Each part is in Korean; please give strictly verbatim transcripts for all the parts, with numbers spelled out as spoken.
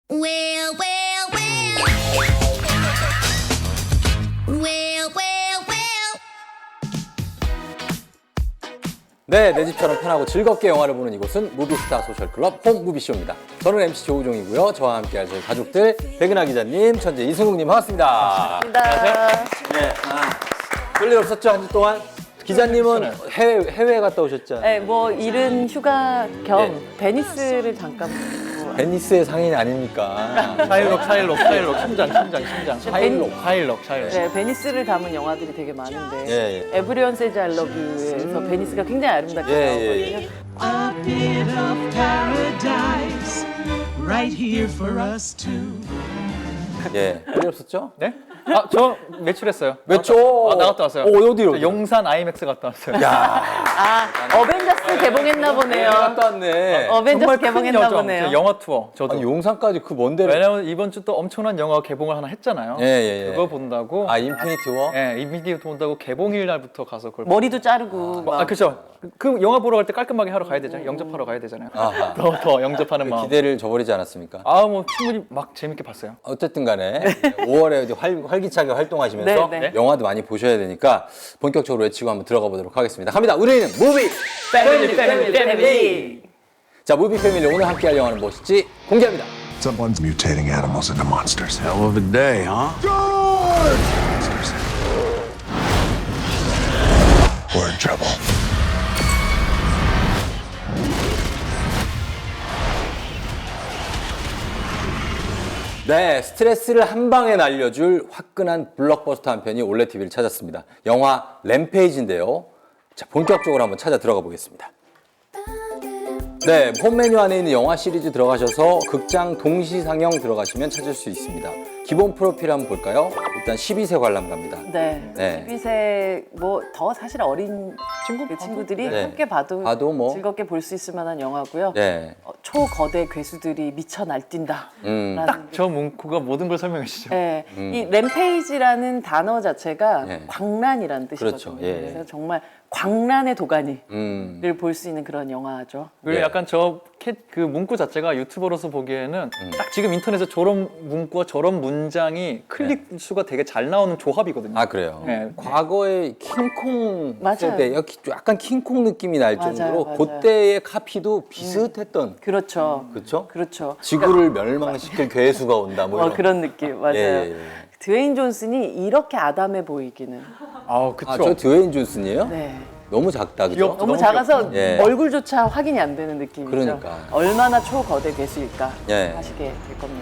Well, well, well. Well, well, well. 네, 내 집처럼 편하고 즐겁게 영화를 보는 이곳은 무비스타 소셜클럽 홈무비쇼입니다. 저는 엠씨 조우종이고요. 저와 함께할 저희 가족들 백은하 기자님, 천재 이승욱님 반갑습니다. 반갑습니다. 네, 아, 별일 없었죠 한 주 동안? 기자님은 해외 해외 갔다 오셨잖아요. 네, 뭐 일은 휴가 겸 네. 베니스를 잠깐 보고 베니스의 상인 아닙니까? 샤일록, 샤일록, 샤일록, 심장, 심장, 심장. 샤일록. 샤일록, 샤일록. 네, 베니스를 담은 영화들이 되게 많은데 예, 예. 에브리원 세즈 아이 러브 유에서 베니스가 굉장히 아름답게 예, 예, 나오거든요. A bit of paradise right here for us two. 예, 별일 없었죠? 네? 아, 저 외출했어요. 몇 초? 아, 나갔다 왔어요. 오, 어디로? 저 용산 아이맥스 갔다 왔어요. 야, 아, 어벤져스 개봉했나 보네요. 갔다 왔네. 어벤져스 정말 큰 개봉했나 여정. 보네요. 저 영화 투어. 저도. 아니, 용산까지 그 먼 데를. 왜냐면 이번 주 또 엄청난 영화 개봉을 하나 했잖아요. 예, 예, 예. 그거 본다고. 아, 인피니티 워? 예, 이미디어 본다고 개봉일 날부터 가서 그걸. 머리도 자르고 막 아, 그렇죠. 그 영화 보러 갈 때 깔끔하게 하러 가야 되잖아요. 영접하러 가야 되잖아요. 아하. 더, 더 영접하는 마음. 기대를 저버리지 않았습니까? 아, 뭐 충분히 막 재밌게 봤어요. 어쨌든 간에 오월에 이제 활, 활기차게 활동하시면서 네, 네. 영화도 많이 보셔야 되니까 본격적으로 외치고 한번 들어가 보도록 하겠습니다. 갑니다. 우리는 무비 패밀리 패밀리 패밀리. 자, 무비 패밀리 오늘 함께할 영화는 무엇일지 공개합니다. Someone's mutating animals into monsters. Hell of a day, huh? Monsters. We're in trouble. 네, 스트레스를 한 방에 날려줄 화끈한 블록버스터 한 편이 올레 티비를 찾았습니다. 영화 램페이지인데요. 자, 본격적으로 한번 찾아 들어가 보겠습니다. 네, 홈 메뉴 안에 있는 영화 시리즈 들어가셔서 극장 동시 상영 들어가시면 찾을 수 있습니다. 기본 프로필 한번 볼까요? 일단 십이 세 관람가입니다. 네. 네. 십이 세 뭐 더 사실 어린 친구 그 친구들이 네. 함께 봐도, 봐도 뭐. 즐겁게 볼 수 있을 만한 영화고요. 네. 어, 초거대 괴수들이 미쳐 날뛴다. 음. 라는 저 문구가 모든 걸 설명해 주시죠. 네, 이 램페이지라는 단어 자체가 네. 광란이라는 뜻이거든요. 그렇죠, 예. 그래서 정말 광란의 도가니를 음. 볼 수 있는 그런 영화죠. 그리고 네. 약간 저 그 문구 자체가 유튜버로서 보기에는 음. 딱 지금 인터넷에 저런 문구와 저런 문장이 클릭 수가 되게 잘 나오는 조합이거든요. 아, 그래요? 네. 과거의 킹콩 맞아요. 세대, 약간 킹콩 느낌이 날 맞아요, 정도로 맞아요. 그때의 카피도 비슷했던, 그렇죠. 그렇죠? 그렇죠. 지구를 멸망시킬 괴수가 온다, 뭐 어, 이런. 그런 느낌 맞아요. 예, 예, 예. 드웨인 존슨이 이렇게 아담해 보이기는. 아, 그쵸. 아, 저 드웨인 존슨이에요? 네. 너무 작다, 그죠? 귀엽죠. 너무 너무 작아서 예. 얼굴조차 확인이 안 되는 느낌이죠. 그러니까. 얼마나 초거대 괴수일까 예. 하시게 될 겁니다.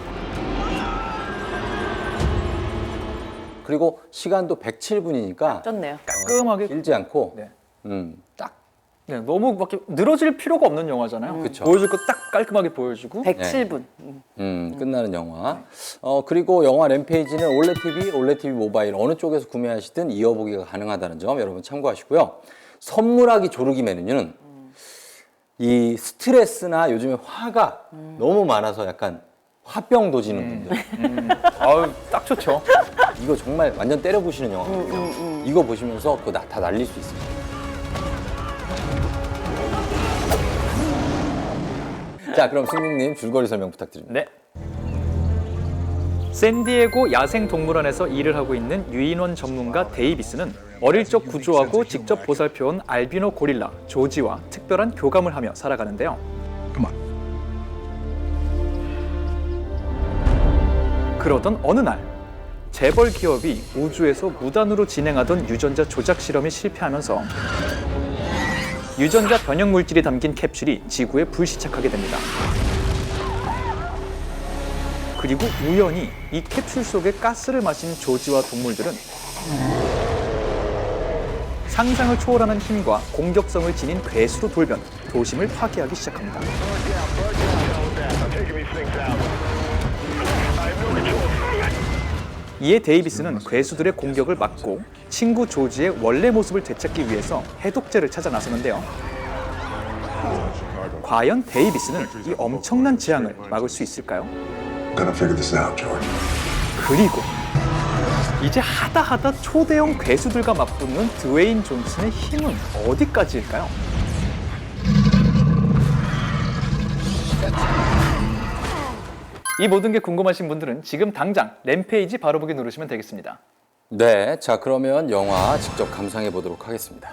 그리고 시간도 백칠 분이니까 쪘네요. 깔끔하게. 길지 않고, 네. 음, 딱. 네, 너무 막 이렇게 늘어질 필요가 없는 영화잖아요. 그쵸. 보여줄 거 딱 깔끔하게 보여주고. 백칠 분. 음. 음, 끝나는 영화. 어, 그리고 영화 램페이지는 올레 티비, 올레 티비 모바일 어느 쪽에서 구매하시든 이어보기가 가능하다는 점 여러분 참고하시고요. 선물하기 조르기 메뉴는 이 스트레스나 요즘에 화가 너무 많아서 약간 화병 도지는 분들. 아유, 딱 좋죠. 이거 정말 완전 때려 부시는 영화거든요. 이거 보시면서 그거 다 날릴 수 있습니다. 자, 그럼 승국님 줄거리 설명 부탁드립니다. 네. 샌디에고 야생동물원에서 일을 하고 있는 유인원 전문가 데이비스는 어릴 적 구조하고 직접 보살펴온 알비노 고릴라 조지와 특별한 교감을 하며 살아가는데요. Come on. 그러던 어느 날 재벌 기업이 우주에서 무단으로 진행하던 유전자 조작 실험이 실패하면서 유전자 변형 물질이 담긴 캡슐이 지구에 불시착하게 됩니다. 그리고 우연히 이 캡슐 속에 가스를 마신 조지와 동물들은 상상을 초월하는 힘과 공격성을 지닌 괴수로 돌변, 도심을 파괴하기 시작합니다. 이에 데이비스는 괴수들의 공격을 막고 친구 조지의 원래 모습을 되찾기 위해서 해독제를 찾아 나서는데요. 과연 데이비스는 이 엄청난 재앙을 막을 수 있을까요? Gonna figure this out, George. 그리고 이제 하다 하다 초대형 괴수들과 맞붙는 드웨인 존슨의 힘은 어디까지일까요? 이 모든 게 궁금하신 분들은 지금 당장 램페이지 바로 보기 누르시면 되겠습니다. 네, 자 그러면 영화 직접 감상해 보도록 하겠습니다.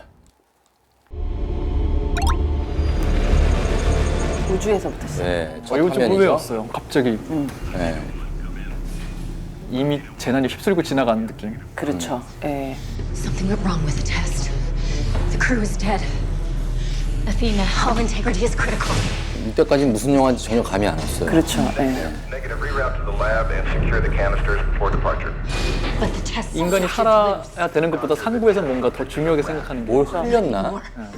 우주에서부터 시작. 네, 첫 어, 이거 좀 화면이죠. 의외였어요. 갑자기 네. 이미 재난이 휩쓸고 지나가는 느낌. 그렇죠. 예. Something went wrong with the test. The crew is dead. Athena, our integrity is critical. 이때까지 무슨 영화인지 전혀 감이 안 왔어요. 그렇죠. 예. Negative reroute to the lab and secure the canisters before departure. But the test 인간이 살아야 되는 것보다 산구에서 뭔가 더 중요하게 생각하는 게 뭘 흘렸나?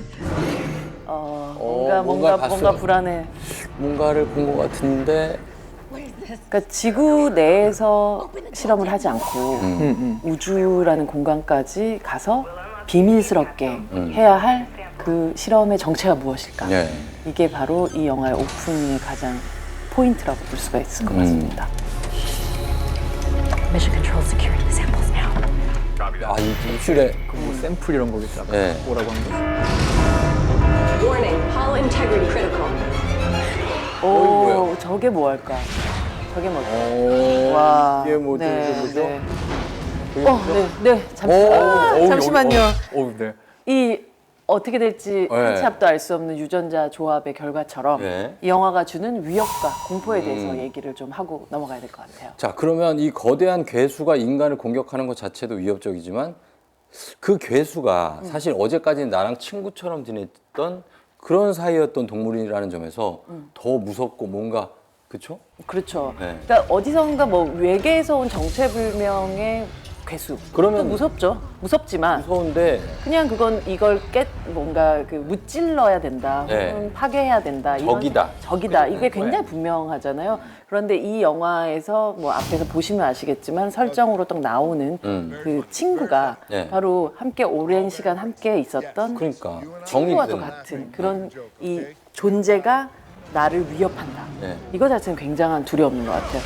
어, 어, 뭔가 뭔가 뭔가 봤어요. 뭔가 불안해. 뭔가를 본 것 같은데 그러니까 지구 내에서 실험을 하지 않고 음, 음. 우주라는 공간까지 가서 비밀스럽게 음. 해야 할 그 실험의 정체가 무엇일까? 네. 이게 바로 이 영화의 오프닝의 가장 포인트라고 볼 수가 있을 것 음. 같습니다. Mission control security samples now. 아, 이 입술에 뭐 샘플 이런 거겠죠. 아까 네. 뭐라고 한 거. Warning, hull integrity critical. 오, 뭐야? 저게 뭐 할까? 저게 뭘까? 오, 와, 이게 뭐죠? 네, 이게 뭐죠? 네. 어, 네, 네, 잠시, 오, 아, 어우, 잠시만요. 어, 네. 이 어떻게 될지 네. 한치 앞도 알 수 없는 유전자 조합의 결과처럼 네. 이 영화가 주는 위협과 공포에 대해서 음. 얘기를 좀 하고 넘어가야 될 것 같아요. 자, 그러면 이 거대한 괴수가 인간을 공격하는 것 자체도 위협적이지만 그 괴수가 음. 사실 어제까지는 나랑 친구처럼 지냈던 그런 사이였던 동물이라는 점에서 음. 더 무섭고 뭔가 그렇죠? 그렇죠. 네. 그러니까 어디선가 뭐 외계에서 온 정체불명의 괴수. 그러면- 또 무섭죠. 무섭지만 무서운데 그냥 그건 이걸 깨 뭔가 그 무찔러야 된다. 네. 혹은 파괴해야 된다. 이런 적이다. 생- 적이다. 이게 굉장히 분명하잖아요. 그런데 이 영화에서 뭐 앞에서 보시면 아시겠지만 설정으로 딱 나오는 음. 그 친구가 네. 바로 함께 오랜 시간 함께 있었던 그러니까 정이 친구와도 드는 같은 그런 이 존재가 나를 위협한다. 네. 이거 자체는 굉장한 두려움인 것 같아요.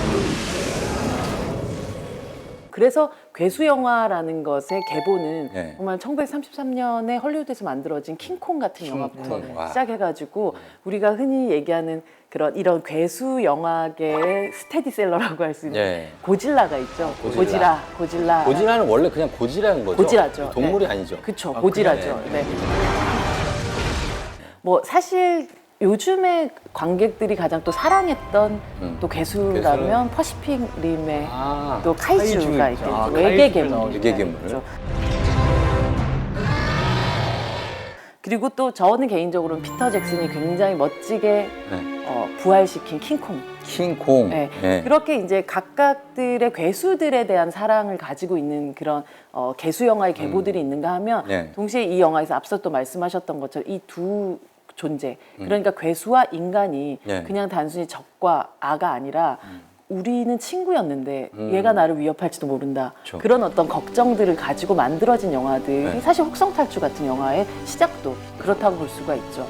그래서 괴수 영화라는 것의 계보는 네. 정말 천구백삼십삼 년에 헐리우드에서 만들어진 킹콩 같은 영화부터 와. 시작해가지고 우리가 흔히 얘기하는 그런 이런 괴수 영화계의 스테디셀러라고 할 수 있는 네. 고질라가 있죠. 고질라. 고질라, 고질라. 고질라는 원래 그냥 고질라인 거죠? 고질라죠. 동물이 네. 아니죠? 그쵸, 아, 고질라죠. 그래. 네. 뭐 사실 요즘에 관객들이 가장 또 사랑했던 음. 또 괴수라면 퍼시픽 림의 아, 또 카이주가 카이주 있겠죠. 있죠. 아, 외계 카이주들 괴물. 나오죠. 외계 괴물. 그렇죠. 그리고 또 저는 개인적으로는 피터 잭슨이 굉장히 멋지게 네. 어, 부활시킨 킹콩. 킹콩. 네. 네. 그렇게 이제 각각들의 괴수들에 대한 사랑을 가지고 있는 그런 어, 괴수 영화의 계보들이 있는가 하면 네. 동시에 이 영화에서 앞서 또 말씀하셨던 것처럼 이 두 존재 그러니까 괴수와 인간이 네. 그냥 단순히 적과 아가 아니라 우리는 친구였는데 음. 얘가 나를 위협할지도 모른다. 그쵸. 그런 어떤 걱정들을 가지고 만들어진 영화들이 네. 사실 혹성탈출 같은 영화의 시작도 그렇다고 볼 수가 있죠.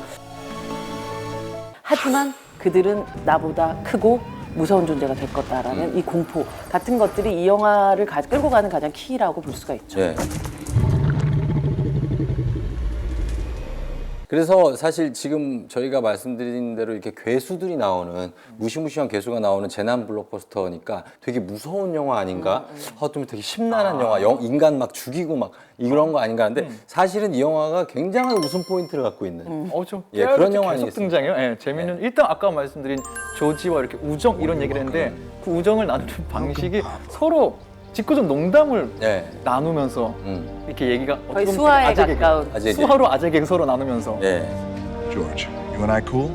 하지만 그들은 나보다 크고 무서운 존재가 될 거다라는 음. 이 공포 같은 것들이 이 영화를 가, 끌고 가는 가장 키라고 볼 수가 있죠. 네. 그래서 사실 지금 저희가 말씀드린 대로 이렇게 괴수들이 나오는 무시무시한 괴수가 나오는 재난 블록버스터니까 되게 무서운 영화 아닌가? 아, 좀 되게 심란한 영화, 영, 인간 막 죽이고 막 이런 거 아닌가 하는데 사실은 이 영화가 굉장한 웃음 포인트를 갖고 있는 어, 좀 예, 그런 계속 영화 아니겠습니까? 등장해요. 예, 재미는 일단 아까 말씀드린 조지와 이렇게 우정 이런 얘기를 했는데 그 우정을 나누는 방식이 서로 짓궂은 농담을 네. 나누면서 음. 이렇게 얘기가 거의 어떻게 보면 수화에 아재 개그, 가까운. 아재 개그. 수화로 아재 개그 서로 나누면서 네. George, you and I cool?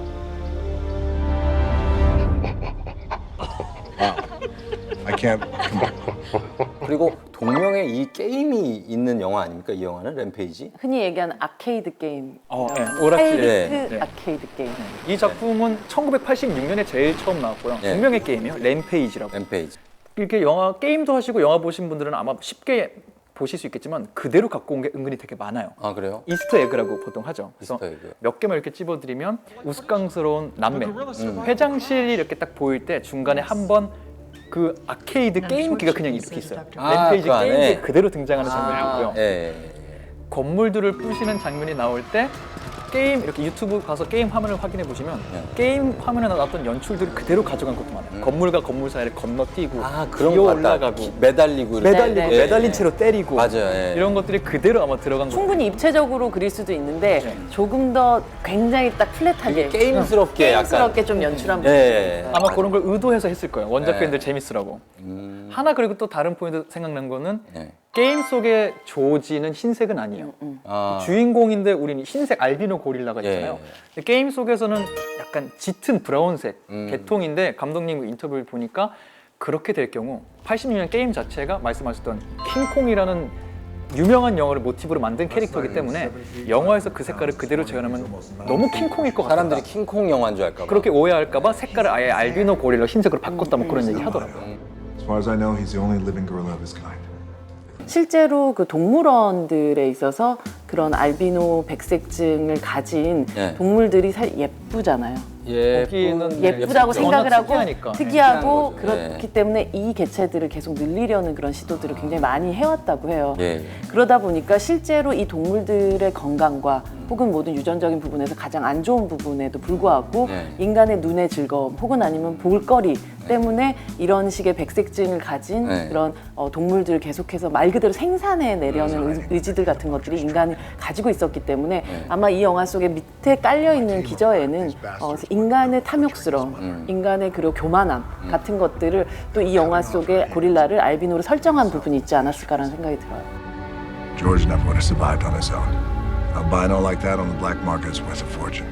Wow. I can't. Come on. 그리고 동명의 이 게임이 있는 영화 아닙니까? 이 영화는 램페이지. 흔히 얘기하는 아케이드 게임. 어, 예, 오락실. 하이리스크 네, 네. 아케이드 게임. 이 작품은 천구백팔십육 년에 제일 처음 나왔고요. 네. 동명의 게임이에요. 램페이지라고. 램페이지. 이렇게 영화 게임도 하시고 영화 보신 분들은 아마 쉽게 보실 수 있겠지만 그대로 갖고 온 게 은근히 되게 많아요. 아 그래요? 이스터 에그라고 보통 하죠. 그래서 이스터 에그. 몇 개만 이렇게 찝어드리면 우스꽝스러운 남매 회장실이 이렇게 딱 보일 때 중간에 한 번 그 아케이드 게임기가 그냥 이렇게 있어요. 아, 램페이지 그 안에? 게임기 그대로 등장하는 장면이 아, 있고요. 예. 건물들을 부시는 장면이 나올 때 게임 이렇게 유튜브 가서 게임 화면을 확인해 보시면 네. 게임 화면에 나왔던 연출들을 그대로 가져간 것도 많아요. 건물과 건물 사이를 건너뛰고 아, 그런 기어 거 같다. 올라가고 기- 매달리고 이렇게. 매달리고 네, 네. 매달린 채로 때리고 맞아요. 예. 이런 것들이 그대로 아마 들어간 거. 충분히 입체적으로 그릴 수도 있는데 네. 조금 더 굉장히 딱 플랫하게 게임스럽게 약간. 게임스럽게 좀 연출한 부분. 예. 아마 그런 걸 의도해서 했을 거예요. 원작 네. 팬들 재밌으라고. 음. 하나 그리고 또 다른 포인트 생각난 거는 네. 게임 속의 조지는 흰색은 아니에요. 아. 주인공인데 우리는 흰색 알비노 고릴라가 예. 있잖아요. 근데 게임 속에서는 약간 짙은 브라운색 음. 계통인데 감독님 인터뷰를 보니까 그렇게 될 경우 팔십육 년 게임 자체가 말씀하셨던 킹콩이라는 유명한 영화를 모티브로 만든 캐릭터이기 때문에 영화에서 그 색깔을 그대로 재현하면 너무 킹콩일 것 같다. 사람들이 킹콩 영화인 줄 알까 봐. 그렇게 오해할까 봐 색깔을 아예 알비노 고릴라 흰색으로 바꿨다 뭐 그런 얘기 하더라고요. As far as I know, he's the only living gorilla of his kind. 실제로 그 동물원들에 있어서 그런 알비노 백색증을 가진 네. 동물들이 사- 예쁘잖아요. 예. 거기는 예쁘다고 워낙 생각을 하고 특이하니까. 특이하고 특이한 거죠. 그렇기 네. 때문에 이 개체들을 계속 늘리려는 그런 시도들을 굉장히 많이 해왔다고 해요. 예. 예. 그러다 보니까 실제로 이 동물들의 건강과 혹은 모든 유전적인 부분에서 가장 안 좋은 부분에도 불구하고 네. 인간의 눈의 즐거움 혹은 아니면 볼거리 때문에 이런 식의 백색증을 가진 네. 그런 어, 동물들을 계속해서 말 그대로 생산해 내려는 의- 의지들 같은 것들이 인간이 가지고 있었기 때문에 네. 아마 이 영화 속에 밑에 깔려 있는 기저에는 어, 인간의 탐욕스러움, 음. 인간의 그리고 교만함 같은 것들을 또 이 영화 속에 고릴라를 알비노로 설정한 부분이 있지 않았을까라는 생각이 들어요. George never would have survived on his own. Albino like that on the black market is worth a fortune.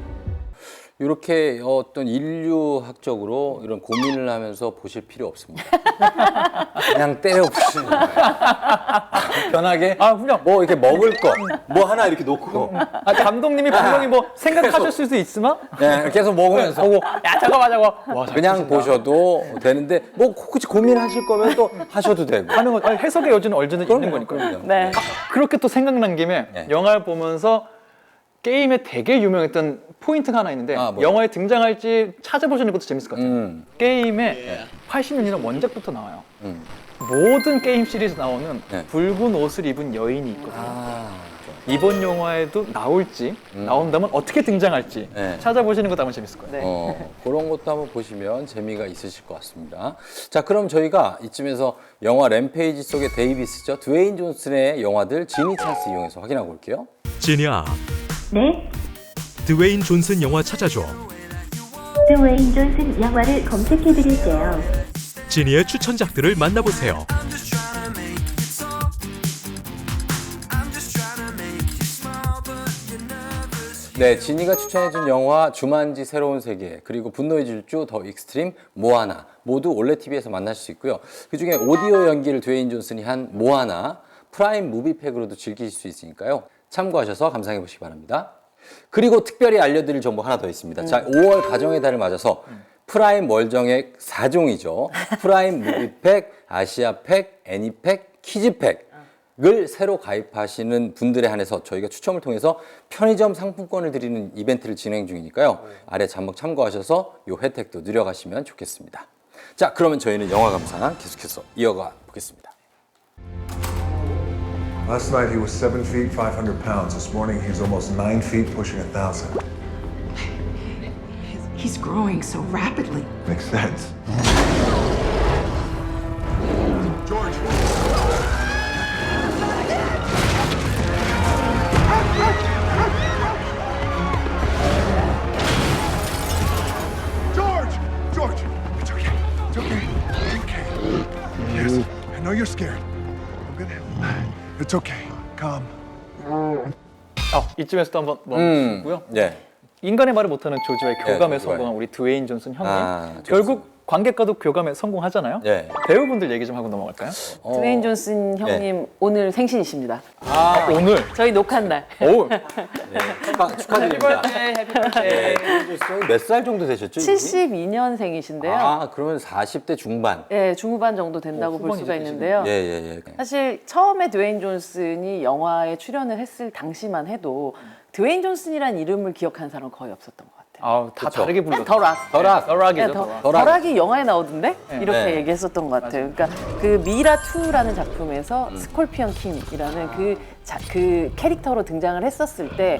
이렇게 어떤 인류학적으로 이런 고민을 하면서 보실 필요 없습니다. 그냥 때려 부시는 거예요. 편하게 아 그냥 뭐 이렇게 먹을 거 뭐 하나 이렇게 놓고 아, 감독님이 분명히 뭐 생각하실 수도 있지만 네, 계속 먹으면서 보고 야 잠깐만 잠깐만 와, 잘 그냥 치신다. 보셔도 되는데 뭐 혹시 고민하실 거면 또 하셔도 되고. 하는 거 아니, 해석의 여지는 얼마나 있는 거니까. 그럼요. 네. 그렇게 또 생각난 김에 네. 영화를 보면서 게임에 되게 유명했던 포인트가 하나 있는데 아, 뭐요? 영화에 등장할지 찾아보시는 것도 재밌을 것 같아요. 음. 게임에 팔십 년이나 원작부터 나와요. 음. 모든 게임 시리즈 나오는 네. 붉은 옷을 입은 여인이 있거든요. 아, 이번 영화에도 나올지 나온다면 어떻게 등장할지 네. 찾아보시는 것도 아마 재밌을 거예요. 네. 어, 그런 것도 한번 보시면 재미가 있으실 것 같습니다. 자, 그럼 저희가 이쯤에서 영화 램페이지 속의 데이비스죠. 드웨인 존슨의 영화들 지니 찬스 이용해서 확인하고 올게요. 지니야, 네, 드웨인 존슨 영화 찾아줘. 드웨인 존슨 영화를 검색해드릴게요. 지니의 추천작들을 만나보세요. 네, 지니가 추천해준 영화 주만지 새로운 세계 그리고 분노의 질주 더 익스트림 모아나 모두 올레티비에서 만나실 수 있고요. 그중에 오디오 연기를 드웨인 존슨이 한 모아나 프라임 무비팩으로도 즐기실 수 있으니까요. 참고하셔서 감상해 보시기 바랍니다. 그리고 특별히 알려드릴 정보 하나 더 있습니다. 자, 오월 가정의 달을 맞아서 프라임 월정액 사 종이죠. 프라임 무비팩, 아시아팩, 애니팩, 키즈팩을 새로 가입하시는 분들에 한해서 저희가 추첨을 통해서 편의점 상품권을 드리는 이벤트를 진행 중이니까요. 아래 잔목 참고하셔서 이 혜택도 누려가시면 좋겠습니다. 자, 그러면 저희는 영화 감상 계속해서 이어가 보겠습니다. Last night he was seven feet, five hundred pounds. This morning he's almost nine feet, pushing a thousand. He's growing so rapidly. Makes sense. George! George! George! It's okay. It's okay. It's okay. Yes, I know you're scared. I'm gonna. It's okay. Calm. 아, 이쯤에서도 한번 음, 멈추고요. 네. 인간의 말을 못하는 조지와의 교감에 네, 조지와의. 성공한 우리 드웨인 존슨 형님. 아, 결국 관객과도 교감에 성공하잖아요. 네. 배우분들 얘기 좀 하고 넘어갈까요? 어, 드웨인 존슨 형님 오늘 생신이십니다. 아, 오늘 저희 녹화한 날. 오 네, 축하, 축하드립니다. 네, 몇 살 정도 되셨죠? 이분이? 칠십이 년생이신데요. 아, 그러면 사십 대 중반. 예, 중후반 정도 된다고 어, 볼 후반이 수가 되시네요. 있는데요. 예, 예, 예. 사실 처음에 드웨인 존슨이 영화에 출연을 했을 당시만 해도 드웨인 존슨이라는 이름을 기억하는 사람은 거의 없었던 것 같아요. 아, 다 그쵸. 다르게 그냥 불렀어요. 더락. 더락. 더락이죠. 네, 더, 더락. 더락. 더락이 영화에 나오던데? 이렇게 네. 얘기했었던 것 같아요. 그러니까 그 미라투라는 작품에서 스콜피언 킹이라는 그, 자, 그 캐릭터로 등장을 했었을 때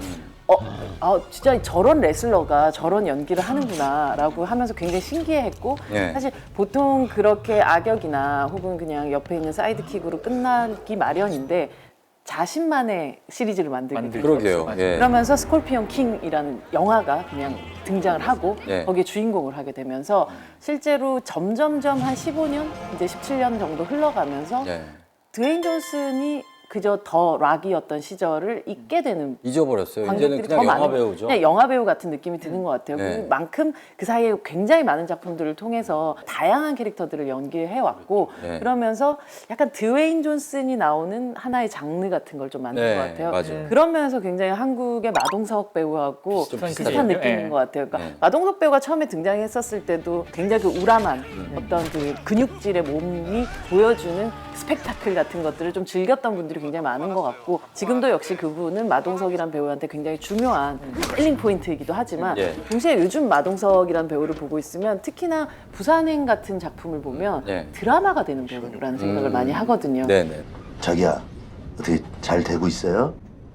어, 아, 진짜 저런 레슬러가 저런 연기를 하는구나라고 하면서 굉장히 신기해했고 예. 사실 보통 그렇게 악역이나 혹은 그냥 옆에 있는 사이드킥으로 끝나기 마련인데 자신만의 시리즈를 만들게 만들죠. 됐어요. 그러게요. 맞아요. 예. 그러면서 스콜피온 킹이라는 영화가 그냥 등장을 하고 예. 거기에 주인공을 하게 되면서 실제로 점점점 한 십오 년, 이제 십칠 년 정도 흘러가면서 예. 드웨인 존슨이 그저 더 락이었던 시절을 잊게 되는 잊어버렸어요. 이제는 관객들이 그냥 더 영화 많은- 배우죠. 그냥 영화 배우 같은 느낌이 드는 것 같아요. 네. 그만큼 그 사이에 굉장히 많은 작품들을 통해서 다양한 캐릭터들을 연기해 왔고 네. 그러면서 약간 드웨인 존슨이 나오는 하나의 장르 같은 걸 좀 만든 네, 것 같아요. 맞아요. 그런 면에서 굉장히 한국의 마동석 배우하고 좀 비슷한 비슷하죠. 느낌인 네. 것 같아요. 그러니까 네. 마동석 배우가 처음에 등장했었을 때도 굉장히 그 우람한 어떤 그 근육질의 몸이 보여주는 스펙타클 같은 것들을 좀 즐겼던 분들이 굉장히 많은 것 같고 지금도 역시 그분은 마동석이라는 배우한테 굉장히 중요한 셀링 포인트이기도 하지만 예. 동시에 요즘 마동석이라는 배우를 보고 있으면 특히나 부산행 같은 작품을 보면 예. 드라마가 되는 배우라는 생각을 음. 많이 하거든요. 네네. 자기야, 어떻게 잘 되고 있어요?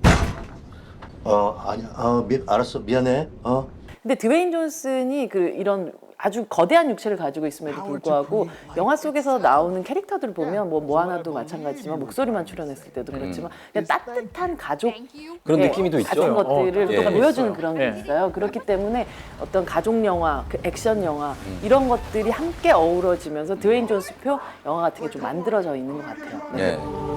어, 아니, 어, 미, 알았어, 미안해. 어. 근데 드웨인 존슨이 그 이런 아주 거대한 육체를 가지고 있음에도 불구하고 영화 속에서 나오는 캐릭터들을 보면 뭐 모아나도 마찬가지지만 목소리만 출연했을 때도 그렇지만 그냥 따뜻한 가족 그런 예, 느낌이 또 있죠. 같은 것들을 어, 또 예. 보여주는 그런 게 예. 있어요. 그렇기 때문에 어떤 가족 영화, 그 액션 영화 음. 이런 것들이 함께 어우러지면서 드웨인 존슨표 영화 같은 게 좀 만들어져 있는 것 같아요. 네. 네.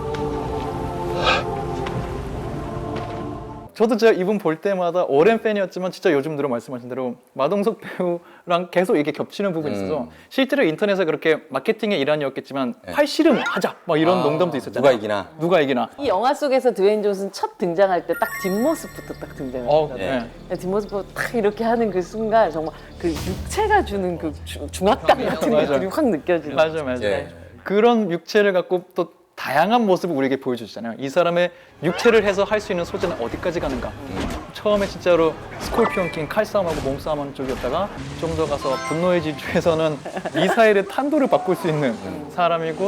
저도 제가 이분 볼 때마다 오랜 팬이었지만 진짜 요즘 들어 말씀하신 대로 마동석 배우랑 계속 이게 겹치는 부분이 있어서 음. 실제로 인터넷에 그렇게 마케팅의 일환이었겠지만 네. 팔씨름 하자 막 이런 아, 농담도 있었잖아요. 누가 이기나. 누가 이기나. 이 영화 속에서 드웨인 존슨 첫 등장할 때 딱 뒷모습부터 딱 등장을 어, 했잖아요. 네. 뒷모습부터 딱 이렇게 하는 그 순간 정말 그 육체가 주는 그 주- 중압감 같은 맞아요. 것들이 확 느껴지는 맞아 맞아. 예. 그런 육체를 갖고 또 다양한 모습을 우리에게 보여주잖아요. 이 사람의 육체를 해서 할 수 있는 소재는 어디까지 가는가. 처음에 진짜로 스콜피온 킹 칼싸움하고 몸싸움하는 쪽이었다가 좀 더 가서 분노의 질주에서는 미사일의 탄도를 바꿀 수 있는 사람이고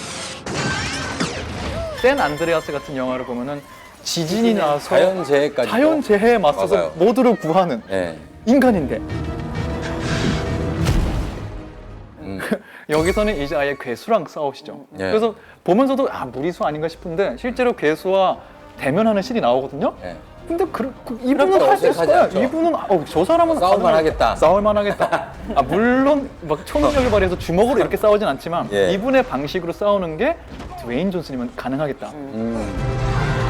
샌 안드레아스 같은 영화를 보면은 지진이 나서 자연재해까지. 자연재해에 맞서서 맞아요. 모두를 구하는 예. 인간인데 음. 여기서는 이제 아예 괴수랑 싸우시죠. 예. 그래서 보면서도 아 무리수 아닌가 싶은데 실제로 괴수와 대면하는 신이 나오거든요. 예. 근데 그, 그 이분은 할 수 있을 어색하지 거야. 않죠. 이분은 어, 저 사람은 싸울만 가능해. 하겠다. 싸울만 하겠다. 아 물론 막 초능력을 발휘해서 주먹으로 이렇게 싸우진 않지만 예. 이분의 방식으로 싸우는 게 드웨인 존슨이면 가능하겠다. 음.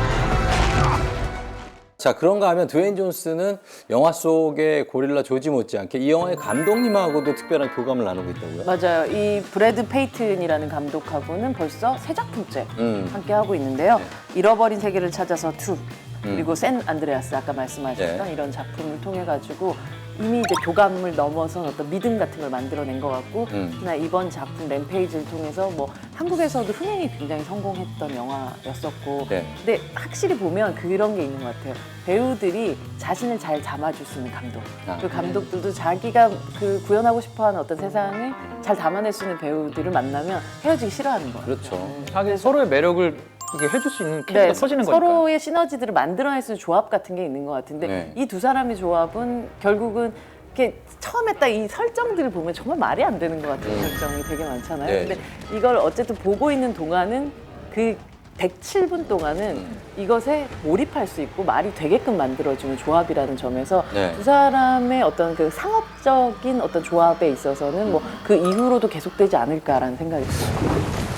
자, 그런가 하면 드웨인 존슨은 영화 속의 고릴라 조지 못지않게 이 영화의 감독님하고도 특별한 교감을 나누고 있다고요? 맞아요. 이 브래드 페이튼이라는 감독하고는 벌써 세 작품째 음. 함께 하고 있는데요. 잃어버린 세계를 찾아서 투 음. 그리고 샌 안드레아스 아까 말씀하셨던 네. 이런 작품을 통해 가지고 이미 이제 교감을 넘어선 어떤 믿음 같은 걸 만들어낸 것 같고 음. 특히나 이번 작품 램페이지를 통해서 뭐 한국에서도 흥행이 굉장히 성공했던 영화였었고 네. 근데 확실히 보면 그런 게 있는 것 같아요. 배우들이 자신을 잘 담아줄 수 있는 감독. 아. 그 감독들도 자기가 그 구현하고 싶어하는 어떤 세상을 잘 담아낼 수 있는 배우들을 만나면 헤어지기 싫어하는 거예요. 그렇죠. 자기 서로의 매력을 이게 해줄 수 있는 캐릭터 네, 터지는 거니까. 서로의 시너지들을 만들어낼 수 있는 조합 같은 게 있는 것 같은데 네. 이 두 사람의 조합은 결국은 이렇게 처음에 딱 이 설정들을 보면 정말 말이 안 되는 것 같은 음. 설정이 되게 많잖아요. 네. 근데 이걸 어쨌든 보고 있는 동안은 그 백칠 분 동안은 음. 이것에 몰입할 수 있고 말이 되게끔 만들어주는 조합이라는 점에서 네. 두 사람의 어떤 그 상업적인 어떤 조합에 있어서는 뭐 그 이후로도 계속되지 않을까라는 생각이 듭니다.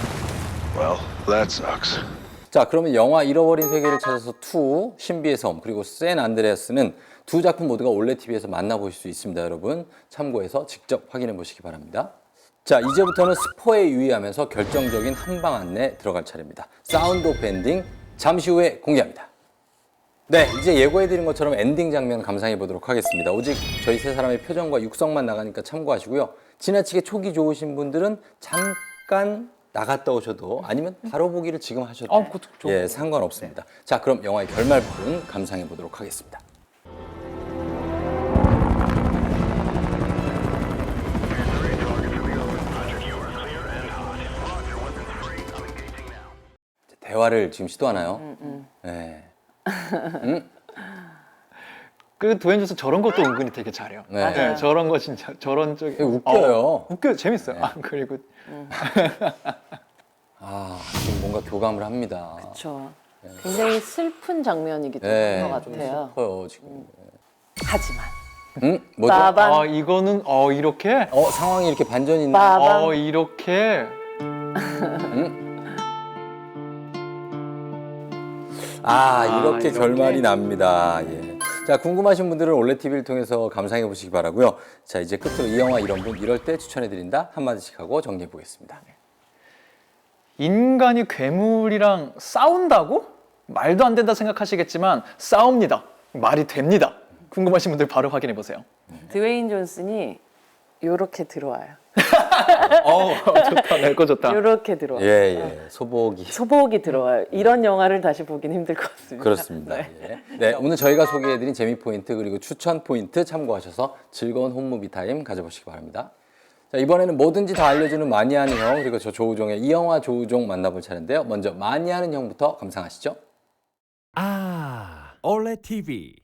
Well, that sucks. 자, 그러면 영화 잃어버린 세계를 찾아서 투, 신비의 섬, 그리고 샌 안드레아스는 두 작품 모두가 올레티비에서 만나보실 수 있습니다, 여러분. 참고해서 직접 확인해 보시기 바랍니다. 자, 이제부터는 스포에 유의하면서 결정적인 한방 안내 들어갈 차례입니다. 사운드 오프 엔딩 잠시 후에 공개합니다. 네, 이제 예고해드린 것처럼 엔딩 장면 감상해 보도록 하겠습니다. 오직 저희 세 사람의 표정과 육성만 나가니까 참고하시고요. 지나치게 촉이 좋으신 분들은 잠깐 나갔다 오셔도 아니면 바로 보기를 지금 하셔도 아, 그것도 좋- 예, 상관없습니다. 자, 그럼 영화의 결말 부분 감상해 보도록 하겠습니다. 대화를 지금 시도하나요? 네. 음? 그 도앤 존슨 저런 것도 은근히 되게 잘해요. 네. 맞아요. 저런 거 진짜 저런 쪽이 되게 웃겨요. 어, 웃겨요. 재밌어요. 네. 아, 그리고 아, 지금 뭔가 교감을 합니다. 그렇죠. 굉장히 슬픈 장면이기도 네, 한 것 좀 같아요. 슬퍼요 지금. 하지만 응? 뭐죠? 빠반 아, 이거는 어 이렇게 어, 상황이 이렇게 반전이 있나? 빠반 어 이렇게 아, 이렇게 이렇게? 결말이 납니다. 예. 자, 궁금하신 분들은 올레티비를 통해서 감상해 보시기 바라고요. 자, 이제 끝으로 이 영화 이런 분 이럴 때 추천해 드린다 한마디씩 하고 정리해 보겠습니다. 인간이 괴물이랑 싸운다고? 말도 안 된다 생각하시겠지만 싸웁니다. 말이 됩니다. 궁금하신 분들 바로 확인해 보세요. 드웨인 존슨이 요렇게 들어와요. 어, 좋다. 낼거 좋다. 요렇게 들어와요. 예, 예. 소복이 소복이 들어와요. 이런 영화를 다시 보긴 힘들 것 같습니다. 그렇습니다. 예. 네, 오늘 저희가 소개해드린 재미 포인트 그리고 추천 포인트 참고하셔서 즐거운 홈무비 타임 가져보시기 바랍니다. 자, 이번에는 뭐든지 다 알려주는 마니아는 형 그리고 저 조우종의 이 영화 조우종 만나볼 차례인데요. 먼저 마니아는 형부터 감상하시죠. 아, 올레티비.